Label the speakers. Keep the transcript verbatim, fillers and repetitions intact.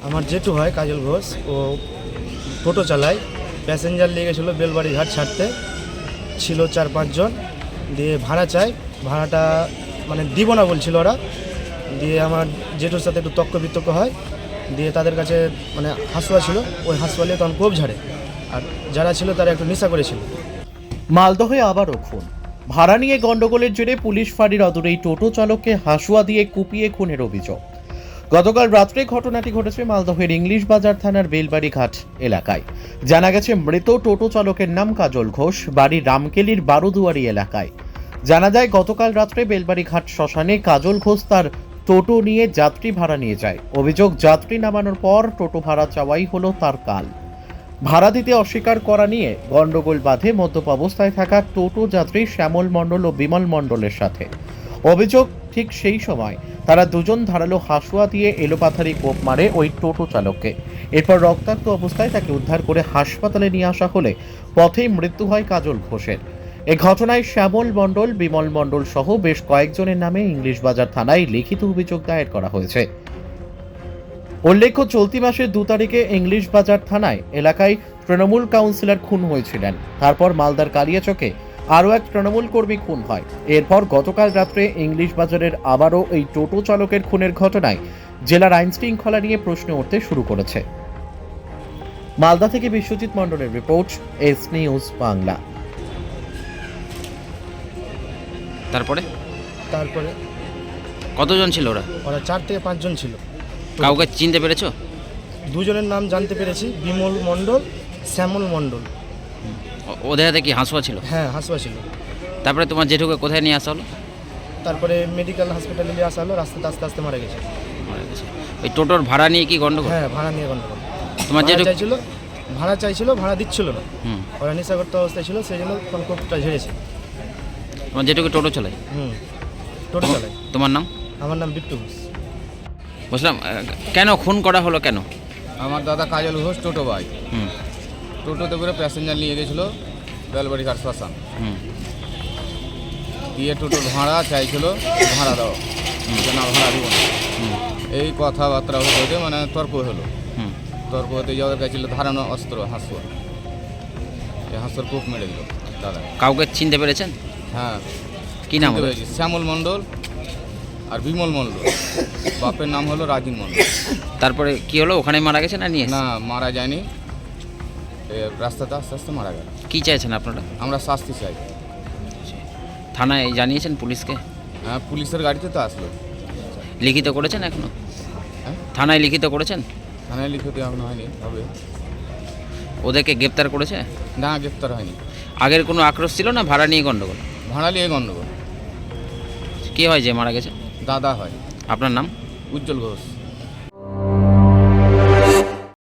Speaker 1: আমার জেঠু হয় কাজল ঘোষ, ও টোটো চালায়, প্যাসেঞ্জার নিয়ে গেছিলো বেলবাড়ি ঘাট ছাড়তে, ছিল চার পাঁচজন, দিয়ে ভাড়া চাই, ভাড়াটা মানে দিব না বলছিল ওরা, দিয়ে আমার জেঠুর সাথে একটু তক্ক বিতর্ক হয়, দিয়ে তাদের কাছে মানে হাসুয়া ছিল, ওই হাসুয়া নিয়ে তখন কোপ ঝাড়ে, আর যারা ছিল তারা একটু নেশা করেছিল।
Speaker 2: মালদহে আবারও খুন। ভাড়া নিয়ে গন্ডগোলের জেরে পুলিশ ফাঁড়ির অদূরেই টোটো চালককে হাসুয়া দিয়ে কুপিয়ে খুনের অভিযোগ। গতকাল রাত্রে ঘটনাটি ঘটেছে মালদহের ইংলিশ বাজার থানার বেলবাড়ি ঘাট এলাকায়। জানা গেছে মৃত টোটো চালকের নাম কাজল ঘোষ, বাড়ি রামকেলির বারোদুয়ারি এলাকায়। জানা যায় গতকাল রাত্রে বেলবাড়ি ঘাট শ্মশানে কাজল ঘোষ তার টোটো নিয়ে যাত্রী ভাড়া নিয়ে যায়। অভিযোগ, যাত্রী নামানোর পর টোটো ভাড়া চাওয়াই হলো তার কাল। ভাড়া দিতে অস্বীকার করা নিয়ে গন্ডগোল বাধে মদ্যপ অবস্থায় থাকা টোটো যাত্রী শ্যামল মণ্ডল ও বিমল মণ্ডলের সাথে। অভিযোগ, ঠিক সেই সময় তারা দুজন ধারালো হাসুয়া দিয়ে এলোপাথারি কোপ মারে ওই টোটো চালককে। এরপর রক্তাক্ত অবস্থায় তাকে উদ্ধার করে হাসপাতালে নিয়ে আসা হলে পথেই মৃত্যু হয় কাজল ঘোষের। এ ঘটনায় শ্যামল মণ্ডল, বিমল মণ্ডল সহ বেশ কয়েকজনের নামে ইংলিশ বাজার থানায় লিখিত অভিযোগ দায়ের করা হয়েছে। উল্লেখ্য, চলতি মাসের দু তারিখে ইংলিশ বাজার থানায় এলাকায় তৃণমূল কাউন্সিলর খুন হয়েছিলেন। তারপর মালদার কালিয়াচকে আরও এক তৃণমূল কর্মী খুন হয়। এরপর গতকাল রাত্রে ইংলিশ বাজারের আবারও এই টোটো চালকের খুনের ঘটনায় জেলার আইন শৃঙ্খলা নিয়ে প্রশ্ন উঠতে শুরু করেছে। মালদা থেকে বিশ্বজিৎ মণ্ডলের রিপোর্ট, এস নিউজ বাংলা।
Speaker 3: তারপরে
Speaker 1: তারপরে
Speaker 3: কতজন ছিল ওরা?
Speaker 1: ওরা চার থেকে পাঁচজন ছিল।
Speaker 3: কাউকে চিনতে পেরেছো?
Speaker 1: দুজনের নাম জানতে পেরেছি, বিমল মণ্ডল, শ্যামল মণ্ডল।
Speaker 3: ও- ওদের হাতে কি হাঁসুয়া ছিল?
Speaker 1: হ্যাঁ, হাসুয়া ছিল।
Speaker 3: তারপরে তোমার জেঠুকে কোথায় নিয়ে আসা হলো?
Speaker 1: তারপরে মেডিকেল হসপিটালে নিয়ে আসা হলো, রাস্তাতে আস্তে আস্তে মারা গেছে।
Speaker 3: মারা গেছে। ওই টোটোর ভাড়া নিয়ে কি গন্ডগোল?
Speaker 1: হ্যাঁ, ভাড়া নিয়ে গন্ডগোল।
Speaker 3: তোমার
Speaker 1: ভাড়া
Speaker 3: জেঠু
Speaker 1: চাইছিল, ভাড়া চাইছিল, ভাড়া দিচ্ছিল না।
Speaker 3: হুম
Speaker 1: ওরা নেশাগ্রস্ত অবস্থায় ছিল, সেই জন্য তখন কোপটা ঝেড়েছে।
Speaker 3: তোমার জেঠুকে টোটো চালায়?
Speaker 1: হুম, টোটো চালাই।
Speaker 3: তোমার নাম?
Speaker 1: আমার নাম বিট্টু ঘোষ।
Speaker 3: বুঝলাম। আহ, কেন খুন করা হলো কেন?
Speaker 4: আমার দাদা কাজল ঘোষ টোটো ভাই,
Speaker 3: হুম
Speaker 4: টোটোতে করে প্যাসেঞ্জার নিয়ে গেছিলো বেলবাড়ি ঘাট শ্মশান,
Speaker 3: হুম
Speaker 4: দিয়ে টোটোর ভাড়া চাইছিল, ভাড়া দাও, যে না ভাড়া দিব না।
Speaker 3: হুম
Speaker 4: এই কথাবার্তা হতে হতে মানে তর্ক হলো।
Speaker 3: হুম
Speaker 4: তর্ক হতে যাওয়ার কাছে ছিল ধারানো অস্ত্র হাঁসুয়া, এই হাঁসুয়ার কূপ মেরে দিল দাদা।
Speaker 3: কাউকে চিনতে পেরেছেন?
Speaker 4: হ্যাঁ,
Speaker 3: কি নাম
Speaker 4: চিনতে
Speaker 3: ওদের?
Speaker 4: পেরেছি, শ্যামল মণ্ডল আর বিমল মণ্ডল। বাপের নাম হলো রাজিন মণ্ডল।
Speaker 3: তারপরে কি হলো? ওখানে মারা গেছে না নিয়ে এসে?
Speaker 4: না, মারা যায়নি, এ রাস্তাতে আস্তে আস্তে মারা গেল।
Speaker 3: কি চাইছেন আপনারা?
Speaker 4: আমরা শাস্তি চাই।
Speaker 3: থানায় জানিয়েছেন পুলিশকে?
Speaker 4: হ্যাঁ, পুলিশের গাড়িতে তো আসলো।
Speaker 3: লিখিত করেছেন এখনো?
Speaker 4: হ্যাঁ,
Speaker 3: থানায় লিখিত করেছেন?
Speaker 4: থানায় লিখিত এখন হয়নি, হবে।
Speaker 3: ওদেরকে গ্রেপ্তার করেছে?
Speaker 4: না, গ্রেপ্তার হয়নি।
Speaker 3: আগের কোনো আক্রোশ ছিল না ভাড়া নিয়ে গন্ডগোল?
Speaker 4: ভাড়া নিয়ে গণ্ডগোল।
Speaker 3: কি হয় যে মারা গেছে?
Speaker 4: দাদা হয়,
Speaker 3: আপনার নাম?
Speaker 4: উজ্জ্বল ঘোষ।